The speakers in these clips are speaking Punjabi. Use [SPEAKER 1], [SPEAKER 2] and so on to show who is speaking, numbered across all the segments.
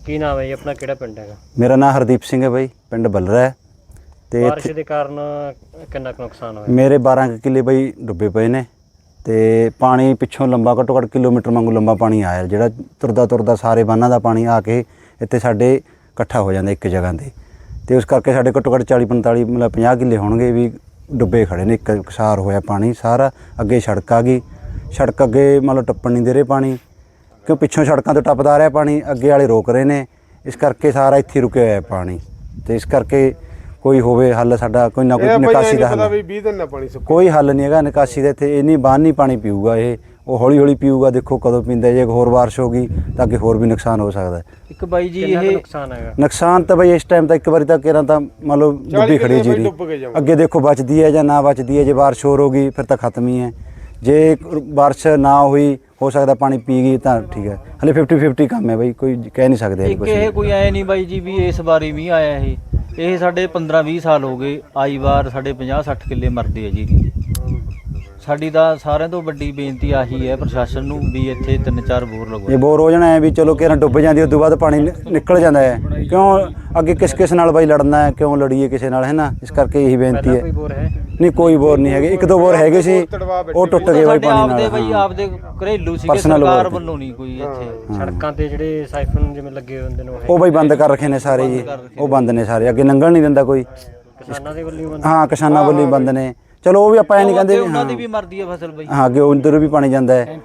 [SPEAKER 1] ਕੀ ਨਾਮ ਹੈ ਜੀ ਆਪਣਾ, ਕਿਹੜਾ ਪਿੰਡ ਹੈਗਾ?
[SPEAKER 2] ਮੇਰਾ ਨਾਮ ਹਰਦੀਪ ਸਿੰਘ ਹੈ ਬਾਈ, ਪਿੰਡ ਬੱਲਰਾ ਹੈ। ਤੇ
[SPEAKER 1] ਬਾਰਿਸ਼ ਦੇ ਕਾਰਨ ਕਿੰਨਾ ਕੁ ਨੁਕਸਾਨ ਹੋਇਆ?
[SPEAKER 2] ਮੇਰੇ 12 ਕਿੱਲੇ ਬਾਈ ਡੁੱਬੇ ਪਏ ਨੇ ਤੇ ਪਾਣੀ ਪਿੱਛੋਂ ਲੰਬਾ ਘੱਟੋ ਘੱਟ ਕਿਲੋਮੀਟਰ ਵਾਂਗੂ ਲੰਬਾ ਪਾਣੀ ਆਇਆ, ਜਿਹੜਾ ਤੁਰਦਾ ਤੁਰਦਾ ਸਾਰੇ ਬੰਨਾਂ ਦਾ ਪਾਣੀ ਆ ਕੇ ਇੱਥੇ ਸਾਡੇ ਇਕੱਠਾ ਹੋ ਜਾਂਦਾ ਇੱਕ ਜਗ੍ਹਾ ਤੇ ਉਸ ਕਰਕੇ ਸਾਡੇ ਘੱਟੋ ਘੱਟ 40-45 ਮਤਲਬ 50 ਕਿੱਲੇ ਹੋਣਗੇ ਵੀ ਡੁੱਬੇ ਖੜੇ ਨੇ। ਇੱਕ ਸਾਰ ਹੋਇਆ ਪਾਣੀ ਸਾਰਾ, ਅੱਗੇ ਸੜਕ ਆ ਗਈ, ਸੜਕ ਅੱਗੇ ਮਤਲਬ ਟੱਪਣ ਨਹੀਂ ਦੇ ਰਹੇ ਪਾਣੀ, ਕਿਉਂ ਪਿੱਛੋਂ ਸੜਕਾਂ ਤੋਂ ਟੱਪਦਾ ਰਿਹਾ ਪਾਣੀ, ਅੱਗੇ ਵਾਲੇ ਰੋਕ ਰਹੇ ਨੇ, ਇਸ ਕਰਕੇ ਸਾਰਾ ਇੱਥੇ ਰੁਕਿਆ ਹੋਇਆ ਪਾਣੀ। ਤੇ ਇਸ ਕਰਕੇ ਕੋਈ ਹੋਵੇ ਹੱਲ, ਸਾਡਾ ਕੋਈ ਨਾ ਕੋਈ ਨਿਕਾਸੀ ਦਾ ਹੱਲ, ਕੋਈ ਹੱਲ ਨਹੀਂ ਹੈਗਾ ਨਿਕਾਸੀ ਦਾ। ਇੱਥੇ ਇੰਨੀ ਬਾਂਹ ਨਹੀਂ ਪਾਣੀ ਪੀਊਗਾ, ਉਹ ਹੌਲੀ ਹੌਲੀ ਪੀਊਗਾ, ਦੇਖੋ ਕਦੋਂ ਪੀਂਦਾ। ਜੇ ਹੋਰ ਬਾਰਿਸ਼ ਹੋ ਗਈ ਤਾਂ ਅੱਗੇ ਹੋਰ ਵੀ ਨੁਕਸਾਨ ਹੋ ਸਕਦਾ।
[SPEAKER 1] ਇੱਕ ਬਾਈ ਜੀ ਇਹ ਨੁਕਸਾਨ ਹੈਗਾ,
[SPEAKER 2] ਨੁਕਸਾਨ ਤਾਂ ਬਾਈ ਇਸ ਟਾਈਮ ਤਾਂ ਇੱਕ ਵਾਰੀ ਤਾਂ ਕਿਰਾਂ ਤਾਂ ਮੰਨ ਲਓ ਡੁੱਬੀ ਖੜੀ ਜੀਰੀ, ਅੱਗੇ ਦੇਖੋ ਬਚਦੀ ਹੈ ਜਾਂ ਨਾ ਬਚਦੀ ਹੈ। ਜੇ ਬਾਰਿਸ਼ ਹੋਰ ਹੋ ਗਈ ਫਿਰ ਤਾਂ ਖਤਮ ਹੀ ਹੈ, ਜੇ ਬਾਰਿਸ਼ ਨਾ ਹੋਈ ਹੋ ਸਕਦਾ ਪਾਣੀ ਪੀ ਗਈ ਤਾਂ ਠੀਕ ਹੈ। ਹਲੇ 50-50 ਕੰਮ ਹੈ ਬਾਈ, ਕੋਈ ਕਹਿ ਨਹੀਂ ਸਕਦੇ
[SPEAKER 3] ਕੁਝ। ਇਹ ਕੋਈ ਐ ਨਹੀਂ ਬਾਈ ਜੀ ਵੀ ਇਸ ਵਾਰੀ ਵੀ ਆਇਆ ਇਹ ਸਾਡੇ 15-20 ਸਾਲ ਹੋ ਗਏ ਆਈ ਵਾਰ ਸਾਡੇ 50-60 ਕਿੱਲੇ ਮਰਦੇ ਆ ਜੀ। ਸਾਡੀ ਤਾਂ ਸਾਰਿਆਂ ਤੋਂ ਵੱਡੀ ਬੇਨਤੀ ਆਹੀ ਹੈ ਪ੍ਰਸ਼ਾਸਨ ਨੂੰ ਵੀ ਇੱਥੇ 3-4 ਬੋਰ ਲਗਵਾਓ।
[SPEAKER 2] ਇਹ ਬੋਰ ਹੋ ਜਾਣਾ ਹੈ ਵੀ ਚਲੋ ਕਿਰਾਂ ਡੁੱਬ ਜਾਂਦੀ, ਉਸ ਤੋਂ ਬਾਅਦ ਪਾਣੀ ਨਿਕਲ ਜਾਂਦਾ ਹੈ। ਕਿਉਂ ਅੱਗੇ ਕਿਸ ਨਾਲ ਬਾਈ ਲੜਨਾ ਹੈ, ਕਿਉਂ ਲੜੀਏ ਕਿਸੇ ਨਾਲ, ਹੈ ਨਾ। ਇਸ ਕਰਕੇ ਇਹੀ ਬੇਨਤੀ ਹੈ। ਨਹੀਂ ਕੋਈ ਬੋਰ ਨਹੀਂ ਹੈਗੇ, 1-2 ਬੋਰ ਹੈਗੇ ਸੀ ਉਹ ਟੁੱਟ ਗਏ ਬਾਈ ਪਾਣੀ ਨਾਲ।
[SPEAKER 3] ਬਾਈ ਆਪਦੇ ਘਰੇਲੂ ਸੀ, ਸਰਕਾਰ ਵੱਲੋਂ ਨਹੀਂ ਕੋਈ ਇੱਥੇ।
[SPEAKER 1] ਸੜਕਾਂ ਤੇ ਜਿਹੜੇ ਸਾਈਫਨ ਜਿਵੇਂ ਲੱਗੇ ਹੁੰਦੇ ਨੇ
[SPEAKER 2] ਉਹ ਬਾਈ ਬੰਦ ਕਰ ਰੱਖੇ ਨੇ ਸਾਰੇ ਜੀ, ਉਹ ਬੰਦ ਨੇ ਸਾਰੇ, ਅੱਗੇ ਲੰਘਣ ਨਹੀਂ ਦਿੰਦਾ ਕੋਈ।
[SPEAKER 1] ਕਿਸਾਨਾਂ ਦੇ ਵੱਲੋਂ ਬੰਦ,
[SPEAKER 2] ਹਾਂ ਕਿਸਾਨਾਂ ਵੱਲੋਂ ਹੀ ਬੰਦ ਨੇ। ਚਲੋ ਉਹ ਵੀ ਆਪਾਂ ਇਹ ਨਹੀਂ ਕਹਿੰਦੇ
[SPEAKER 3] ਉਹਨਾਂ ਦੀ ਵੀ ਮਰਦੀ ਹੈ ਫਸਲ ਬਾਈ।
[SPEAKER 2] ਹਾਂ ਅੱਗੇ ਉਧਰ ਵੀ ਪਾਣੀ ਜਾਂਦਾ ਹੈ।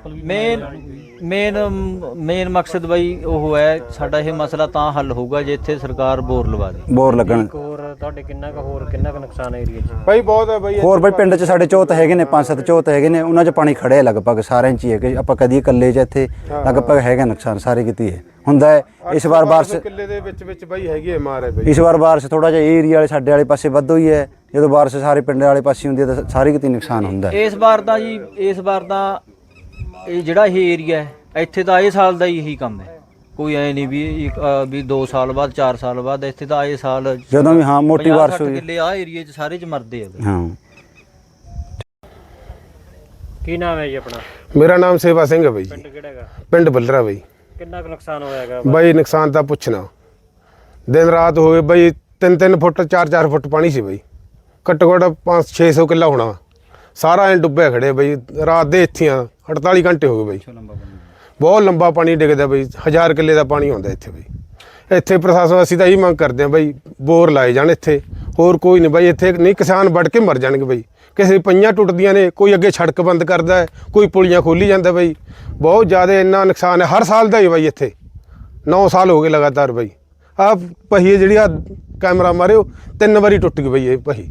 [SPEAKER 3] ਮੇਨ ਮਕਸਦ ਬਾਈ ਉਹ ਹੈ ਸਾਡਾ, ਇਹ ਮਸਲਾ ਤਾਂ ਹੱਲ ਹੋਊਗਾ ਜੇ ਇੱਥੇ ਸਰਕਾਰ ਬੋਰ ਲਵਾ ਦੇ।
[SPEAKER 2] ਬੋਰ ਲੱਗਣ
[SPEAKER 1] ਹੋਰ ਤੁਹਾਡੇ ਕਿੰਨਾ ਕੁ ਨੁਕਸਾਨ ਏਰੀਆ 'ਚ
[SPEAKER 4] ਬਾਈ? ਬਹੁਤ ਹੈ ਬਾਈ।
[SPEAKER 2] ਹੋਰ ਬਾਈ ਪਿੰਡ 'ਚ ਸਾਡੇ ਚੌਥ ਹੈਗੇ ਨੇ, 5-7 ਚੌਥ ਹੈਗੇ ਨੇ, ਉਹਨਾਂ 'ਚ ਪਾਣੀ ਖੜਿਆ ਲਗਭਗ ਸਾਰਿਆਂ 'ਚ ਹੀ ਹੈ ਕਿ ਆਪਾਂ ਕਦੀ ਇਕੱਲੇ 'ਚ ਇੱਥੇ ਲਗਭਗ ਹੈਗਾ ਨੁਕਸਾਨ ਸਾਰੇ ਕਿਤੇ ਹੈ ਹੁੰਦਾ ਹੈ। ਇਸ ਵਾਰ ਬਾਰਿਸ਼
[SPEAKER 4] ਕਿੱਲੇ ਦੇ ਵਿੱਚ ਬਾਈ ਹੈਗੀ ਹੈ ਮਾਰ ਹੈ ਬਾਈ।
[SPEAKER 2] ਇਸ ਵਾਰ ਬਾਰਿਸ਼ ਥੋੜਾ ਜਿਹਾ ਏਰੀਆ ਵਾਲੇ ਸਾਡੇ ਵਾਲੇ ਪਾਸੇ ਵੱਧ ਹੋਈ ਹੈ। ਜਦੋਂ ਬਾਰਿਸ਼ ਸਾਰੇ ਪਿੰਡ ਵਾਲੇ ਪਾਸੇ ਹੁੰਦੀ ਹੈ ਤਾਂ ਸਾਰੇ ਕਿਤੇ ਨੁਕਸਾਨ ਹੁੰਦਾ ਹੈ।
[SPEAKER 3] ਇਸ ਵਾਰ ਤਾਂ ਇਹ ਜਿਹੜਾ ਇਹ ਏਰੀਆ ਹੈ ਇੱਥੇ ਤਾਂ ਇਹ ਸਾਲ ਦਾ ਹੀ ਇਹੀ ਕੰਮ ਹੈ। ਕੋਈ ਐ ਨਹੀਂ ਵੀ 2 ਸਾਲ ਬਾਅਦ 4 ਸਾਲ ਬਾਅਦ, ਇੱਥੇ ਤਾਂ ਇਹ ਸਾਲ
[SPEAKER 2] ਜਦੋਂ ਵੀ ਹਾਂ ਮੋਟੀ ਬਾਰਿਸ਼ ਹੋਈ
[SPEAKER 3] ਕਿੱਲੇ ਆ ਏਰੀਏ 'ਚ ਸਾਰੇ 'ਚ ਮਰਦੇ ਆ।
[SPEAKER 2] ਹਾਂ।
[SPEAKER 1] ਕੀ ਨਾਮ ਹੈ ਜੀ ਆਪਣਾ?
[SPEAKER 4] ਮੇਰਾ ਨਾਮ ਸੇਵਾ ਸਿੰਘ ਹੈ ਬਾਈ।
[SPEAKER 1] ਪਿੰਡ ਕਿਹੜਾ ਹੈਗਾ?
[SPEAKER 4] ਪਿੰਡ ਬੱਲਰਾ ਬਾਈ।
[SPEAKER 1] ਕਿੰਨਾ ਕੁ ਨੁਕਸਾਨ ਹੋਇਆ ਹੈਗਾ
[SPEAKER 4] ਬਾਈ? ਨੁਕਸਾਨ ਤਾਂ ਪੁੱਛਣਾ, ਦਿਨ ਰਾਤ ਹੋਏ ਬਾਈ, 3-3 ਫੁੱਟ 4-4 ਫੁੱਟ ਪਾਣੀ ਸੀ ਬਾਈ। ਘੱਟੋ ਘੱਟ 500-600 ਕਿੱਲਾ ਹੋਣਾ, ਸਾਰਾ ਐਂ ਡੁੱਬਿਆ ਖੜੇ ਬਾਈ। ਰਾਤ ਦੇ ਇੱਥੇ 48 ਘੰਟੇ ਹੋ ਗਏ ਬਾਈ। ਬਹੁਤ ਲੰਬਾ ਪਾਣੀ ਡਿੱਗਦਾ ਬਾਈ, 1000 ਕਿੱਲੇ ਦਾ ਪਾਣੀ ਆਉਂਦਾ ਇੱਥੇ ਬਾਈ। ਇੱਥੇ ਪ੍ਰਸ਼ਾਸਨ ਅਸੀਂ ਤਾਂ ਇਹੀ ਮੰਗ ਕਰਦੇ ਹਾਂ ਬਾਈ, ਬੋਰ ਲਾਏ ਜਾਣ ਇੱਥੇ, ਹੋਰ ਕੋਈ ਨਹੀਂ ਬਾਈ। ਇੱਥੇ ਨਹੀਂ ਕਿਸਾਨ ਵੜ ਕੇ ਮਰ ਜਾਣਗੇ ਬਾਈ। ਕਿਸੇ ਪਈਆਂ ਟੁੱਟਦੀਆਂ ਨੇ, ਕੋਈ ਅੱਗੇ ਸੜਕ ਬੰਦ ਕਰਦਾ ਹੈ, ਕੋਈ ਪੁਲੀਆਂ ਖੋਲੀ ਜਾਂਦਾ ਬਾਈ। ਬਹੁਤ ਜ਼ਿਆਦਾ ਇੰਨਾ ਨੁਕਸਾਨ ਹੈ, ਹਰ ਸਾਲ ਦਾ ਹੀ ਬਾਈ। ਇੱਥੇ 9 ਸਾਲ ਹੋ ਗਏ ਲਗਾਤਾਰ ਬਾਈ। ਆਹ ਪਹੀਏ ਜਿਹੜੀ ਆ ਕੈਮਰਾ ਮਾਰਿਓ 3 ਵਾਰੀ ਟੁੱਟ ਗਈ ਬਾਈ ਇਹ ਪਹੀ।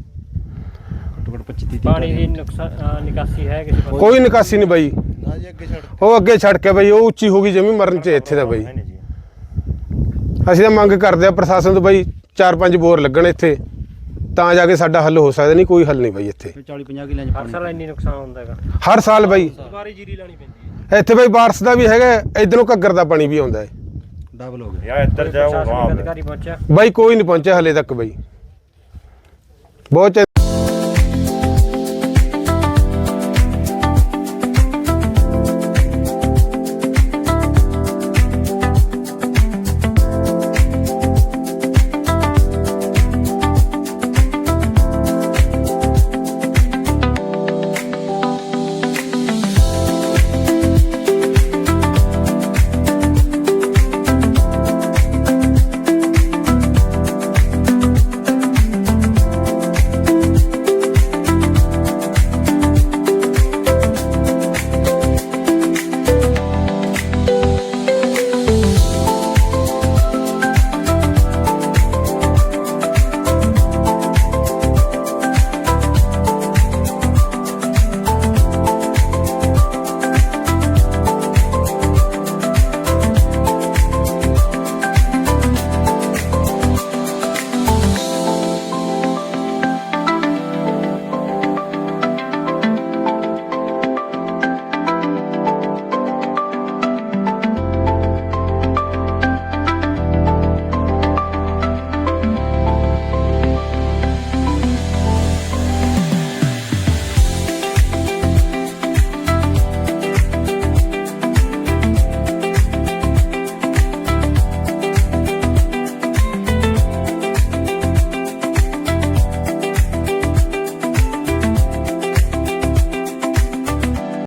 [SPEAKER 1] ਪਾਣੀ ਦੀ ਨਿਕਾਸੀ ਹੈ ਕਿਸੇ ਪਾਸੇ?
[SPEAKER 4] ਕੋਈ ਨਿਕਾਸੀ ਨਹੀਂ ਬਾਈ। ਉਹ ਅੱਗੇ ਸੜਕ ਹੈ ਬਾਈ, ਉਹ ਉੱਚੀ ਹੋ ਗਈ ਜਮੀ ਮਰਨ 'ਚ ਇੱਥੇ ਦਾ ਬਾਈ। ਅਸੀਂ ਤਾਂ ਮੰਗ ਕਰਦੇ ਆ ਪ੍ਰਸ਼ਾਸਨ ਤੋਂ ਬਾਈ, 4-5 ਬੋਰ ਲੱਗਣ ਇੱਥੇ ਤਾਂ ਜਾ ਕੇ ਸਾਡਾ ਹੱਲ ਹੋ ਸਕਦਾ। ਨਹੀਂ ਕੋਈ ਹੱਲ ਨਹੀਂ ਬਾਈ ਇੱਥੇ।
[SPEAKER 3] 40-50 ਕਿੱਲਿਆਂ 'ਚ
[SPEAKER 1] ਹਰ ਸਾਲ ਇੰਨੀ ਨੁਕਸਾਨ ਹੁੰਦਾ ਹੈਗਾ?
[SPEAKER 4] ਹਰ ਸਾਲ ਬਾਈ।
[SPEAKER 1] ਸਾਰੀ ਜੀਰੀ ਲਾਣੀ ਪੈਂਦੀ ਹੈ
[SPEAKER 4] ਇੱਥੇ ਬਾਈ ਬਾਰਿਸ਼ ਦਾ ਵੀ ਹੈਗਾ, ਇੱਧਰੋਂ ਘੱਗਰ ਦਾ ਪਾਣੀ ਵੀ ਆਉਂਦਾ ਹੈ।
[SPEAKER 3] ਡਬਲ ਹੋ ਗਿਆ
[SPEAKER 1] ਯਾਰ ਇੱਧਰ ਜਾਓ। ਅਧਿਕਾਰੀ ਪਹੁੰਚਿਆ
[SPEAKER 4] ਬਾਈ? ਕੋਈ ਨਹੀਂ ਪਹੁੰਚਿਆ ਹਲੇ ਤੱਕ ਬਾਈ। ਬਹੁਤ